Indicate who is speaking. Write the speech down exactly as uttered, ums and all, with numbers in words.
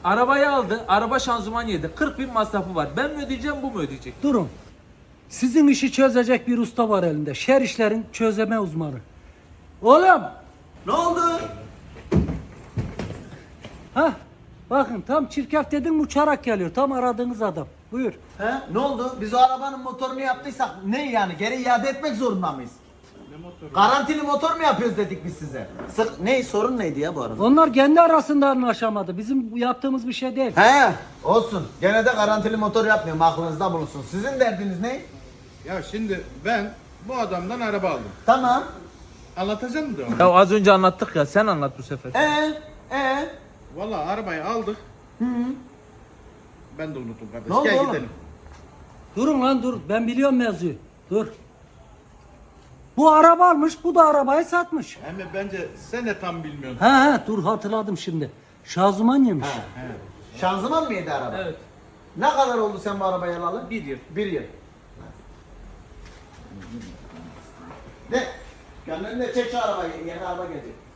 Speaker 1: Arabayı aldı, araba şanzıman yedi. kırk bin masrafı var. Ben mi ödeyeceğim, bu mu ödeyecek?
Speaker 2: Durun. Sizin işi çözecek bir usta var elinde. Şer işlerin çözeme uzmanı. Oğlum.
Speaker 3: Ne oldu?
Speaker 2: Ha? Bakın tam çirkef dedim uçarak geliyor. Tam aradığınız adam. Buyur.
Speaker 3: He? Ne oldu? Biz o arabanın motorunu yaptıysak ne yani? Geri iade etmek zorunda mıyız? Ne motoru? Garantili motor mu yapıyoruz dedik biz size. Sık ne sorun neydi ya bu arada?
Speaker 2: Onlar kendi arasında anlaşamadı. Bizim bu yaptığımız bir şey değil.
Speaker 3: He, olsun. Gene de garantili motor yapmıyorum. Aklınızda bulunsun. Sizin derdiniz ne?
Speaker 4: Ya şimdi ben bu adamdan araba aldım.
Speaker 3: Tamam.
Speaker 4: Anlatacağım mı devamlı?
Speaker 1: Ya az önce anlattık ya, sen anlat bu sefer.
Speaker 3: Ee, ee.
Speaker 4: Valla arabayı aldık. Ben de unuttum kardeş.
Speaker 3: Ne oldu
Speaker 4: Gel
Speaker 3: oğlum?
Speaker 4: gidelim.
Speaker 2: Durun lan dur. Ben biliyorum mevzuyu. Dur. Bu araba almış, bu da arabayı satmış.
Speaker 4: Hem bence sen de tam bilmiyorsun.
Speaker 2: He he dur hatırladım şimdi. Şanzıman yemiş.
Speaker 3: Şanzıman mı yedi araba?
Speaker 1: Evet.
Speaker 3: Ne kadar oldu sen bu arabayı alalı?
Speaker 1: Bir yıl.
Speaker 3: Bir yıl. Ne? Gönlünde çek şu arabayı. Yeni araba gelecek.